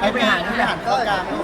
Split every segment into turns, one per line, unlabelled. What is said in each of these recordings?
ให้ไปหารเข้ากลาง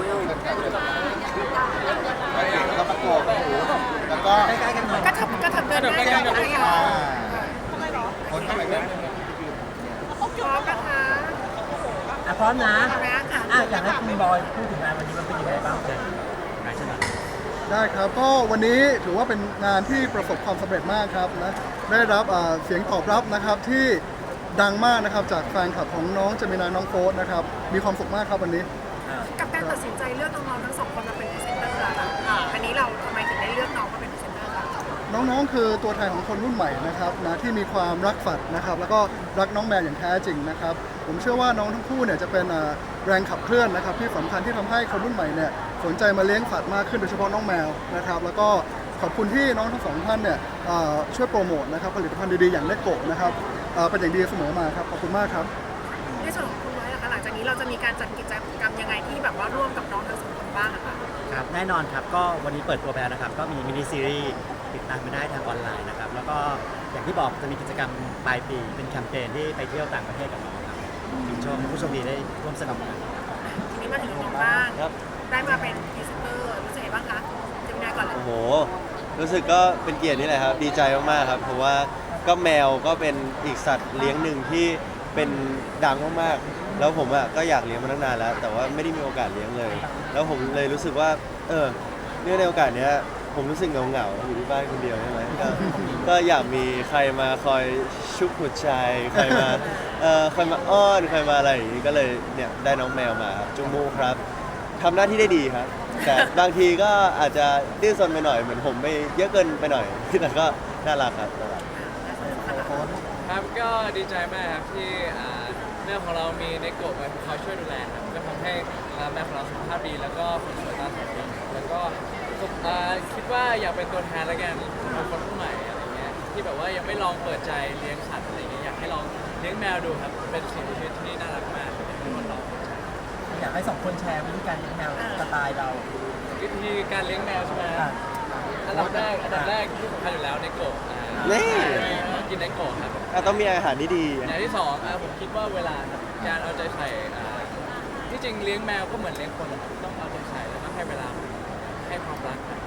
แล้วก็ประกบแล้วก็
ใกล้ๆกันหน่อย
กระเถิบเดินได้ไหมคะ
คนเข้าไปเลย
พร้อมนะคะ
พร้อมนะ
พร้อมนะค่ะ
อยากให้คุณบอยพูดถึงงานวันนี้มันเป็นยังไงบ้างเลยใช่ไหม
ได้ครับก็วันนี้ถือว่าเป็นงานที่ประสบความสำเร็จมากครับนะได้รับเสียงตอบรับนะครับที่ดังมากนะครับจากแฟนคลับของน้องเจมินาน้องโฟสนะครับมีความสุขมากครับวันนี้
กับการตัดสินใจเลือกน้องๆทั้งสองคนมาเป็นพรีเซนเตอร์อะค่ะอันนี้เราทำไมถึงได้เลือกน้องมาเป็นพรีเซนเตอร์คะ
น้องๆคือตัวแทนของคนรุ่นใหม่นะครับนะที่มีความรักสัตว์นะครับแล้วก็รักน้องแมวอย่างแท้จริงนะครับผมเชื่อว่าน้องทั้งคู่เนี่ยจะเป็นแรงขับเคลื่อนนะครับที่สำคัญที่ทำให้คนรุ่นใหม่เนี่ยสนใจมาเลี้ยงสัตว์มากขึ้นโดยเฉพาะน้องแมวนะครับแล้วก็ขอบคุณที่น้องทั้งสองท่านเนี่ยช่วยโปรโมทนะครับผลิตภัณฑ์ดีๆอย่างเลโก้นะครับเป็นอย่างดีเสมอมาครับขอบคุณมากครับ
ในส่วนของคุณไว้ล่ะคะหลังจากนี้เราจะมีการจัดกิจกรรมยังไงที่แบบว่าร่วมกับน้องทั้งสองคนบ้างอะคะ
ครับแน่นอนครับก็วันนี้เปิดตัวไปแล้วนะครับก็มีมินิซีรีส์ติดตามไปได้ทางออนไลน์นะครับแล้วก็อย่างที่บอกจะมีกิจกรรมปลายปีเป็นแคมเปญที่ไปเที่ยวต่างประเทศกับน้องครับมีชมผู้โชมดีได้ร่วมสนุกกัน
ทีนี้มาถึงน้องบ้าง
ครับ
ได้มาเป็นพรีเซนเตอร์รู้สึกไงบ้างคะเจมินาก่อนเลย
โอ้โห รู้สึกก็เป็นเกียรตินี่แหละครับ ดีใจมากๆครับ เพราะว่าก็แมวก็เป็นอีกสัตว์เลี้ยงหนึ่งที่เป็นดังมากๆ แล้วผมอ่ะก็อยากเลี้ยงมาตั้งนานแล้ว แต่ว่าไม่ได้มีโอกาสเลี้ยงเลย แล้วผมเลยรู้สึกว่าเนื่องในโอกาสเนี้ยผมรู้สึกเหงาๆอยู่ที่บ้านคนเดียวใช่ไหมก็อยากมีใครมาคอยชุบหัวใจใครมาใครมาอ้อนใครมาอะไรอย่างนี้ก็เลยเนี่ยได้น้องแมวมาครับจูมูครับทำหน้าที่ได้ดีครับ แต่บางทีก็อาจจะดื้อซนไปหน่อยเหมือนผมไปเยอะเกินไปหน่อยแต่ก็น่ารักครับน่ารัก
ครับก็ดีใจมากครับที่แม่ของเรามีในโกะมาคอยช่วยดูแลครับก็ทำให้แม่ของเราสุขภาพดีแล้วก็คนสวยตาสวยดีแล้วก็คิดว่าอยากเป็นตัวแทนแล้วกันของคนรุ่นใหม่อะไรเงี้ยที่แบบว่ายังไม่ลองเปิดใจเลี้ยงสัตว์อะไรเงี้ยอยากให้ลองเลี้ยงแมวดูครับเป็นสิ่งมีชีวิตที่น่ารักมากอยากให้คนลองเปิดใจ
อยากให้สองคนแชร์วิธีการเลี้ยงแมวสไตล์เรา
วิธีการเลี้ยงแมวใช่ไหมอันดับแรกที่สำคัญอยู่แล้วในโกะ
นี่
ต้องกินในโกะครับ
ต้องมีอาหารที่ดี
อย่างที่สองผมคิดว่าเวลาครับการเอาใจใส่ที่จริงเลี้ยงแมวก็เหมือนเลี้ยงคนต้องเอาใจใส่แล้วก็ให้เวลาให้ความรักครับ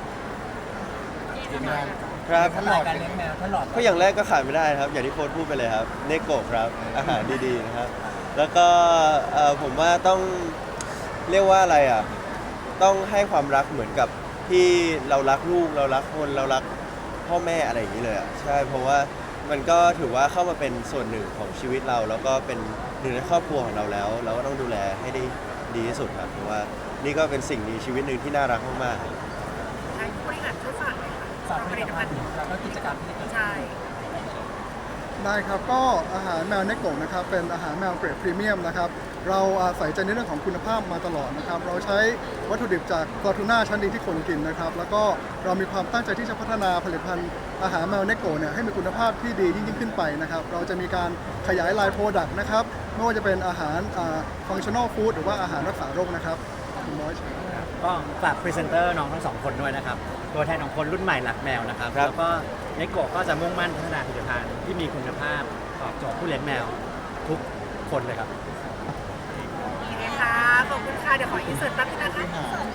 ครับ
สไตล์การเลี้ยงแมวถ้าหลอด
ก็อย่างแรกก็ขาดไม่ได้ครับ อย่างที่โค้ชพูดไปเลยครับเนโกะครับอาหารดีๆนะครับ แล้วก็ผมว่าต้องเรียกว่าอะไรอ่ะต้องให้ความรักเหมือนกับที่เรารักลูกเรารักคนเรารักพ่อแม่อะไรอย่างนี้เลยอ่ะใช่เพราะว่ามันก็ถือว่าเข้ามาเป็นส่วนหนึ่งของชีวิตเรา แล้วก็เป็นหนึ่งในครอบครัวของเราแล้ว เราก็ต้องดูแลให้ได้ดีที่สุดครับเพราะว่านี่ก็เป็นสิ่งมีชีวิตหนึ่งที่น่ารักมากๆ
ใช้ผู้บริหารช่วยฝากหน่อยค่ะ
สอนผ
ผ
ลิ
ลิ
ต
ต
ภั
ภั
ณ
ณ
ฑ์
ฑ์
แล้วก็กิจกรรมที่เกิดขึ้น
ใช่
ได้ครับก็อาหารแมวเนโกะนะครับเป็นอาหารแมวเกรดพรีเมียมนะครับเราใส่ใจในเรื่องของคุณภาพมาตลอดนะครับเราใช้วัตถุดิบจากปลาทูน่าชั้นดีที่คนกินนะครับแล้วก็เรามีความตั้งใจที่จะพัฒนาผลิตภัณฑ์อาหารแมวเนโกะเนี่ยให้มีคุณภาพที่ดียิ่งขึ้นไปนะครับเราจะมีการขยายไลน์โปรดักต์นะครับไม่ว่าจะเป็นอาหารฟังชั่นอลฟู้ดหรือว่าอาหารรักษาโรคนะครับขอบคุณบอย
ก็ฝากพรีเซนเตอร์น้องทั้งสองคนด้วยนะครับตัวแทนของคนรุ่นใหม่รักแมวนะครับ
ครับ
แล้วก็เนโกะก็จะมุ่งมั่นพัฒนาผลิตภัณฑ์ที่มีคุณภาพตอบโจทย์ผู้เลี้ยงแมวทุกคนเลยครับ
โอเคค่ะขอบคุณค่ะเดี๋ยวขออินเสิร์ตแป๊บนึงนะคะ